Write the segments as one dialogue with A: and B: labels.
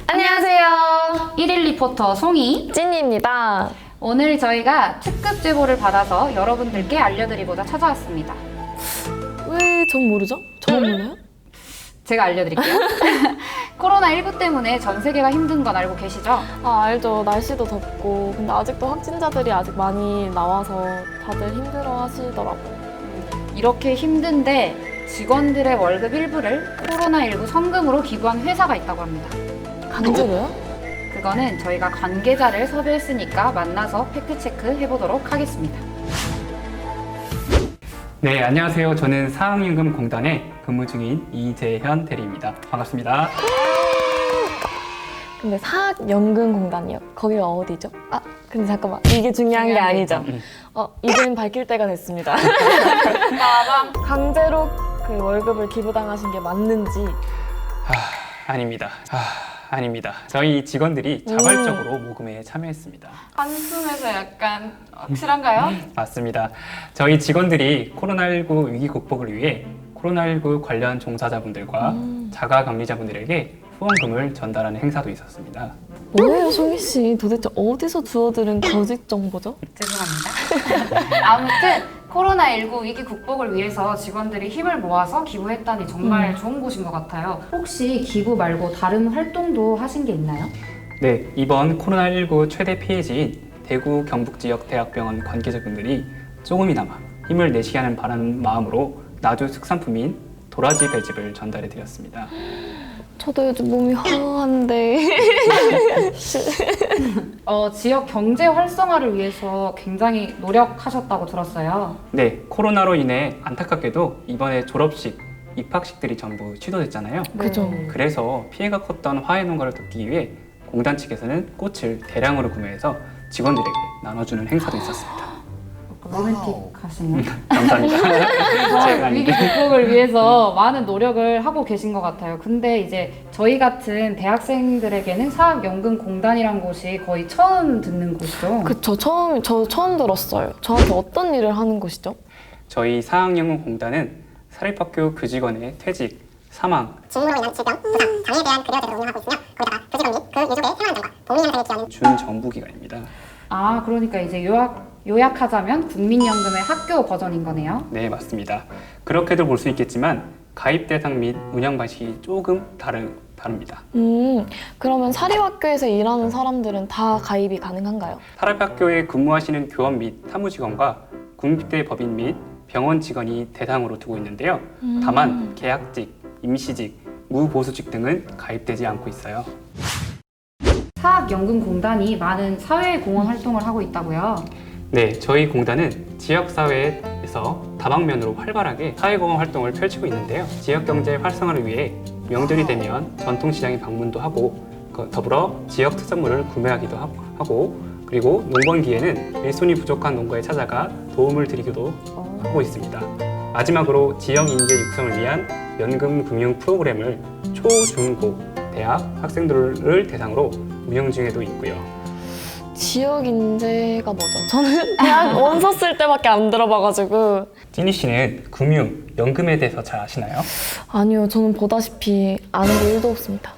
A: 안녕하세요.
B: 1일 리포터 송이
A: 찐이입니다.
B: 오늘 저희가 특급 제보를 받아서 여러분들께 알려드리고자 찾아왔습니다.
A: 왜 전 모르죠? 저만 몰라요?
B: 제가 알려드릴게요. 코로나19 때문에 전 세계가 힘든 건 알고 계시죠?
A: 아, 알죠. 날씨도 덥고. 근데 아직도 확진자들이 아직 많이 나와서 다들 힘들어 하시더라고요.
B: 이렇게 힘든데 직원들의 월급 일부를 코로나19 성금으로 기부한 회사가 있다고 합니다.
A: 강제로요?
B: 그거는 저희가 관계자를 섭외했으니까 만나서 팩트체크 해보도록 하겠습니다.
C: 네, 안녕하세요. 저는 사학연금공단에 근무 중인 이재현 대리입니다. 반갑습니다.
A: 근데 사학연금공단이요. 거기가 어디죠? 아, 근데 잠깐만. 이게 중요한 게 아니죠. 이제는 밝힐 때가 됐습니다. 강제로 그 월급을 기부당하신 게 맞는지.
C: 아닙니다. 아닙니다. 저희 직원들이 자발적으로 모금에 참여했습니다.
B: 한숨에서 약간 확실한가요?
C: 맞습니다. 저희 직원들이 코로나19 위기 극복을 위해 코로나19 관련 종사자분들과 자가격리자분들에게 후원금을 전달하는 행사도 있었습니다.
A: 뭐예요, 송이 씨? 도대체 어디서 주워들은 거짓 정보죠?
B: 죄송합니다. 아무튼 코로나19 위기 극복을 위해서 직원들이 힘을 모아서 기부했다니 정말 좋은 곳인 것 같아요. 혹시 기부 말고 다른 활동도 하신 게 있나요?
C: 네, 이번 코로나19 최대 피해지인 대구 경북 지역 대학병원 관계자분들이 조금이나마 힘을 내시게 하는 바라는 마음으로 나주 특산품인 도라지 배즙을 전달해 드렸습니다.
A: 저도 요즘 몸이 허한데.
B: 지역 경제 활성화를 위해서 굉장히 노력하셨다고 들었어요.
C: 네, 코로나로 인해 안타깝게도 이번에 졸업식, 입학식들이 전부 취소됐잖아요.
A: 그죠.
C: 그래서 피해가 컸던 화훼 농가를 돕기 위해 공단 측에서는 꽃을 대량으로 구매해서 직원들에게 나눠주는 행사도 있었습니다.
B: 로맨틱하시네요.
C: 감사합니다. 제가
B: 위기
C: 아닌데.
B: 극복을 위해서 많은 노력을 하고 계신 것 같아요. 근데 이제 저희 같은 대학생들에게는 사학연금공단이란 곳이 거의 처음 듣는 곳이죠.
A: 그쵸. 저 처음 들었어요. 저한테 어떤 일을 하는 곳이죠?
C: 저희 사학연금공단은 사립학교 교직원의 퇴직, 사망,
D: 질문으로 인한 질병, 부상, 장애에 대한 급여 제도를 운영하고 있으며 거기다가 교직원 및 그 유족의 생활 안정과 복리 향상에 기여하는
C: 준정부기관입니다.
B: 그러니까 이제 요약하자면 국민연금의 학교 버전인 거네요.
C: 네, 맞습니다. 그렇게도 볼 수 있겠지만 가입 대상 및 운영 방식이 조금 다릅니다.
A: 그러면 사립학교에서 일하는 사람들은 다 가입이 가능한가요?
C: 사립학교에 근무하시는 교원 및 사무직원과 군비대 법인 및 병원 직원이 대상으로 두고 있는데요. 다만 계약직, 임시직, 무보수직 등은 가입되지 않고 있어요.
B: 사학연금공단이 많은 사회공헌 활동을 하고 있다고요.
C: 네, 저희 공단은 지역사회에서 다방면으로 활발하게 사회공헌 활동을 펼치고 있는데요. 지역경제 활성화를 위해 명절이 되면 전통시장에 방문도 하고 더불어 지역 특산물을 구매하기도 하고 그리고 농번기에는 일손이 부족한 농가에 찾아가 도움을 드리기도 하고 있습니다. 마지막으로 지역 인재 육성을 위한 연금 금융 프로그램을 초, 중, 고 대학 학생들을 대상으로 운영 중에도 있고요.
A: 지역 인재가 뭐죠? 저는 대학 원서 쓸 때밖에 안 들어봐가지고.
C: 찐이 씨는 금융, 연금에 대해서 잘 아시나요?
A: 아니요, 저는 보다시피 아는 게 1도 없습니다.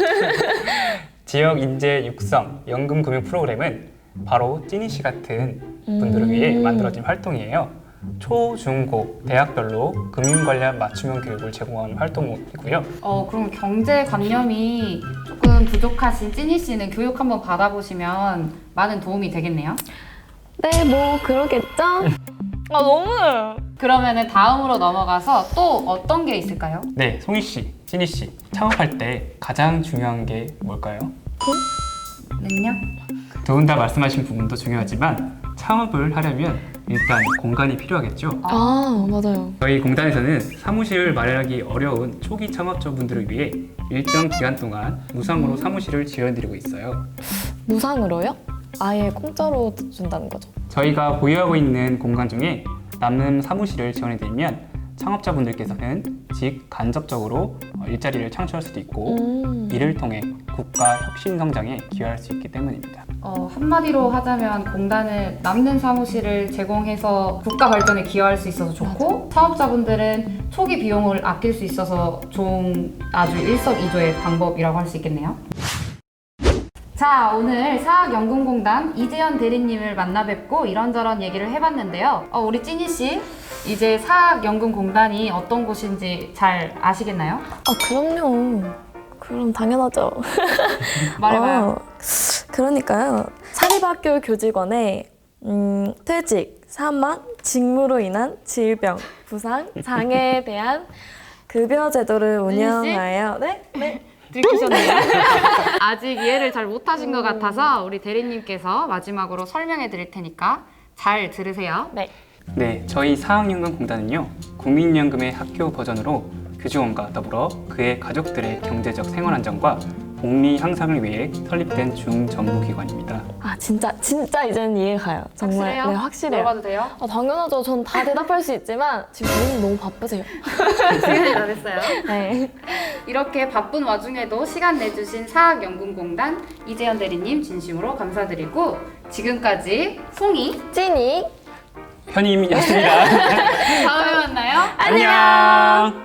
C: 지역 인재 육성 연금 금융 프로그램은 바로 찐이 씨 같은 분들을 위해 만들어진 활동이에요. 초, 중, 고 대학별로 금융 관련 맞춤형 교육을 제공하는 활동이고요.
B: 그럼 경제관념이 조금 부족하신 찐이 씨는 교육 한번 받아보시면 많은 도움이 되겠네요.
A: 네, 뭐 그러겠죠? 너무.
B: 그러면은 다음으로 넘어가서 또 어떤 게 있을까요?
C: 네, 송이 씨, 찐이 씨 창업할 때 가장 중요한 게 뭘까요?
B: 능력?
C: 두 분 다 말씀하신 부분도 중요하지만 창업을 하려면 일단 공간이 필요하겠죠.
A: 맞아요.
C: 저희 공단에서는 사무실을 마련하기 어려운 초기 창업자분들을 위해 일정 기간 동안 무상으로 사무실을 지원드리고 있어요.
A: 무상으로요? 아예 공짜로 준다는 거죠?
C: 저희가 보유하고 있는 공간 중에 남는 사무실을 지원해드리면 창업자분들께서는 간접적으로 일자리를 창출할 수도 있고 이를 통해 국가 혁신 성장에 기여할 수 있기 때문입니다.
B: 한마디로 하자면 공단은 남는 사무실을 제공해서 국가 발전에 기여할 수 있어서 좋고 사업자분들은 초기 비용을 아낄 수 있어서 좋은 아주 일석이조의 방법이라고 할 수 있겠네요. 자, 오늘 사학연금공단 이재현 대리님을 만나 뵙고 이런저런 얘기를 해봤는데요. 우리 찐이 씨, 이제 사학연금공단이 어떤 곳인지 잘 아시겠나요?
A: 그럼요. 그럼 당연하죠.
B: 말해봐요.
A: 그러니까요. 사립학교 교직원의 퇴직, 사망, 직무로 인한 질병, 부상, 장애에 대한 급여 제도를 운영하여 네?
B: 들키셨네요. 아직 이해를 잘 못하신 것 같아서 우리 대리님께서 마지막으로 설명해 드릴 테니까 잘 들으세요.
A: 네.
C: 네, 저희 사학연금공단은요, 국민연금의 학교 버전으로 교직원과 더불어 그의 가족들의 경제적 생활 안정과 복리 향상을 위해 설립된 중전무기관입니다.
A: 진짜 이제는 이해가 가요. 정말.
B: 확실해요?
A: 네, 확실해요.
B: 물어봐도 돼요?
A: 당연하죠. 전 다 대답할 수 있지만 지금 본인이 너무 바쁘세요.
B: 시간이 다 됐어요.
A: 네.
B: 이렇게 바쁜 와중에도 시간 내주신 사학연금공단 이재현 대리님 진심으로 감사드리고 지금까지 송이
A: 찐이
C: 현임이었습니다.
B: 다음에 만나요.
C: 안녕.